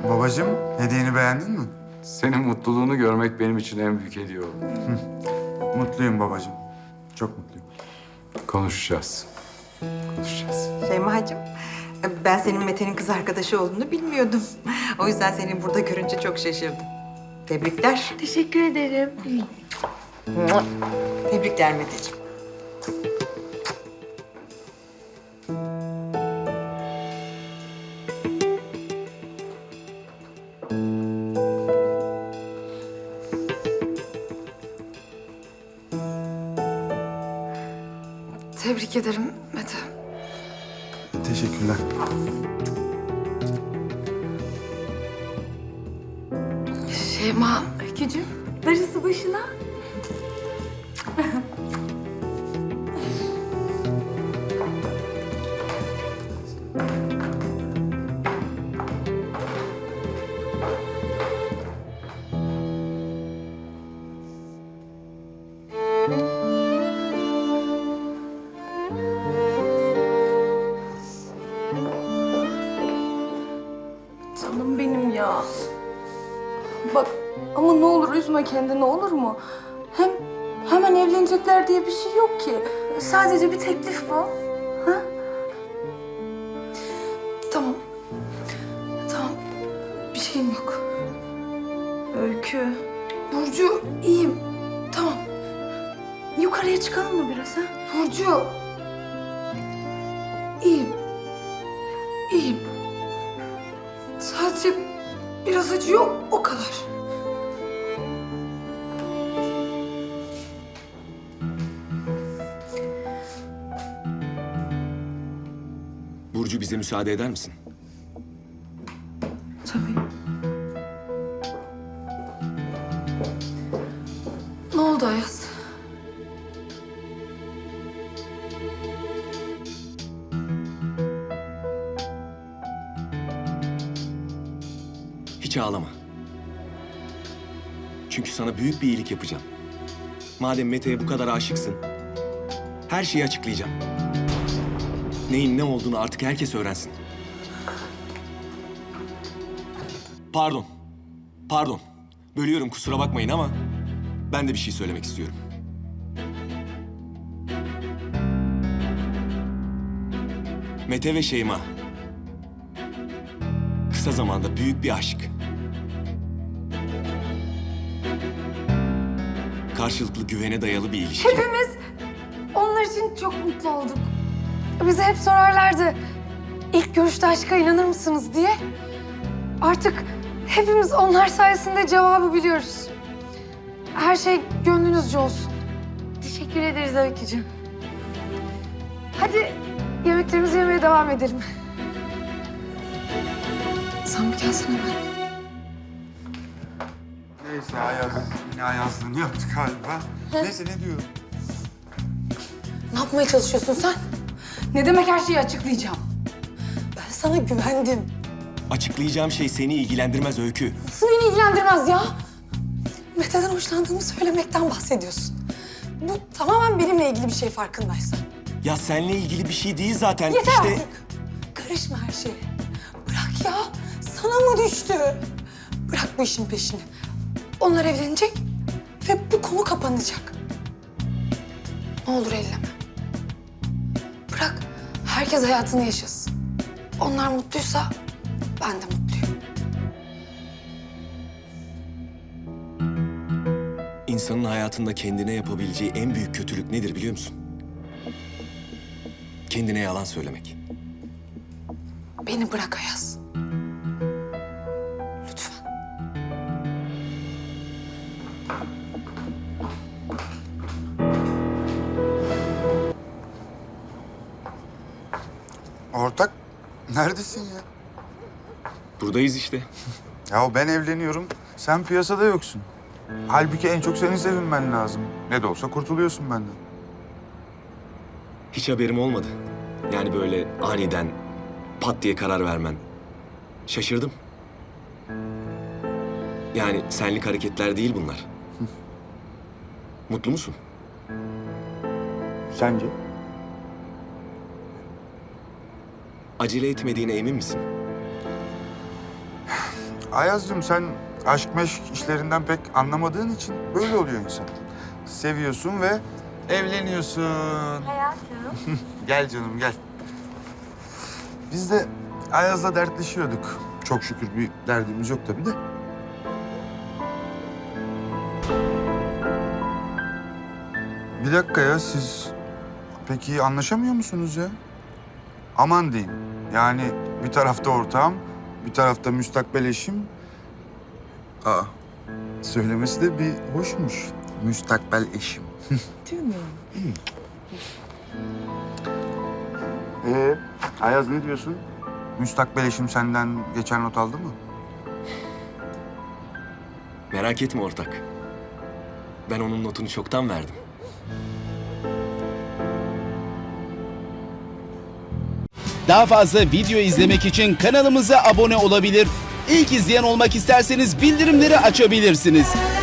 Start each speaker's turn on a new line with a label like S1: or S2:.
S1: Babacığım, hediyeni beğendin mi?
S2: Senin mutluluğunu görmek benim için en büyük hediye oldu.
S1: Mutluyum babacığım. Çok mutluyum.
S2: Konuşacağız. Konuşacağız.
S3: Şeyma'cığım, ben senin Mete'nin kız arkadaşı olduğunu bilmiyordum. O yüzden seni burada görünce çok şaşırdım. Tebrikler.
S4: Teşekkür ederim.
S3: Tebrikler Meteciğim.
S4: Tebrik ederim Mete.
S1: Teşekkürler.
S4: Şeyma. Öykücüğüm. Darısı başına. Canım benim ya. Bak ama ne olur üzme kendini, olur mu? Hem hemen evlenecekler diye bir şey yok ki. Sadece bir teklif bu. Ha? Tamam. Tamam. Bir şeyim yok. Öykü. Burcu iyiyim. Tamam. Yukarıya çıkalım mı biraz ha? Burcu. İyiyim. İyiyim. Sadece biraz acıyor, o kadar.
S5: Burcu, bize müsaade eder misin?
S4: Tabii. Ne oldu Ayaz?
S5: Hiç ağlama. Çünkü sana büyük bir iyilik yapacağım. Madem Mete'ye bu kadar aşıksın, her şeyi açıklayacağım. Neyin ne olduğunu artık herkes öğrensin. Pardon. Pardon. Bölüyorum, kusura bakmayın ama ben de bir şey söylemek istiyorum. Mete ve Şeyma. Kısa zamanda büyük bir aşk. Karşılıklı güvene dayalı bir ilişki.
S4: Hepimiz onlar için çok mutlu olduk. Bize hep sorarlardı, ilk görüşte aşka inanır mısınız diye. Artık hepimiz onlar sayesinde cevabı biliyoruz. Her şey gönlünüzce olsun. Teşekkür ederiz Öykücüğüm. Hadi yemeklerimizi yemeye devam edelim. Sen bir gelsene ben.
S1: Neyse yine Ayazlığını yaptık galiba. Neyse ne diyorum?
S4: Ne yapmaya çalışıyorsun sen? Ne demek her şeyi açıklayacağım? Ben sana güvendim.
S5: Açıklayacağım şey seni ilgilendirmez Öykü.
S4: Nasıl beni ilgilendirmez ya? Mete'den hoşlandığımı söylemekten bahsediyorsun. Bu tamamen benimle ilgili bir şey farkındaysan.
S5: Ya seninle ilgili bir şey değil zaten.
S4: Yeter
S5: işte...
S4: artık. Karışma her şeye. Bırak ya. Sana mı düştü? Bırak bu işin peşini. Onlar evlenecek ve bu konu kapanacak. Ne olur elleme. Bırak herkes hayatını yaşasın. Onlar mutluysa ben de mutluyum.
S5: İnsanın hayatında kendine yapabileceği en büyük kötülük nedir biliyor musun? Kendine yalan söylemek.
S4: Beni bırak Ayaz. Lütfen.
S1: Ortak, neredesin ya?
S5: Buradayız işte.
S1: Ya ben evleniyorum, sen piyasada yoksun. Halbuki en çok senin sevinmen lazım. Ne de olsa kurtuluyorsun benden.
S5: Hiç haberim olmadı. Yani böyle aniden pat diye karar vermen. Şaşırdım. Yani senlik hareketler değil bunlar. Mutlu musun?
S1: Sence?
S5: Acele etmediğine emin misin?
S1: Ayaz'cığım sen aşk meşk işlerinden pek anlamadığın için böyle oluyor insan. Seviyorsun ve evleniyorsun.
S6: Hayatım.
S1: Gel canım gel. Biz de Ayaz'la dertleşiyorduk. Çok şükür bir derdimiz yok tabii de. Bir dakika ya siz peki anlaşamıyor musunuz ya? Aman diyeyim. Yani bir tarafta ortağım, bir tarafta müstakbel eşim. Aa, söylemesi de bir hoşmuş. Müstakbel eşim.
S4: Değil mi?
S1: Ayaz ne diyorsun? Müstakbel eşim senden geçen not aldı mı?
S5: Merak etme ortak. Ben onun notunu çoktan verdim.
S7: Daha fazla video izlemek için kanalımıza abone olabilir. İlk izleyen olmak isterseniz bildirimleri açabilirsiniz.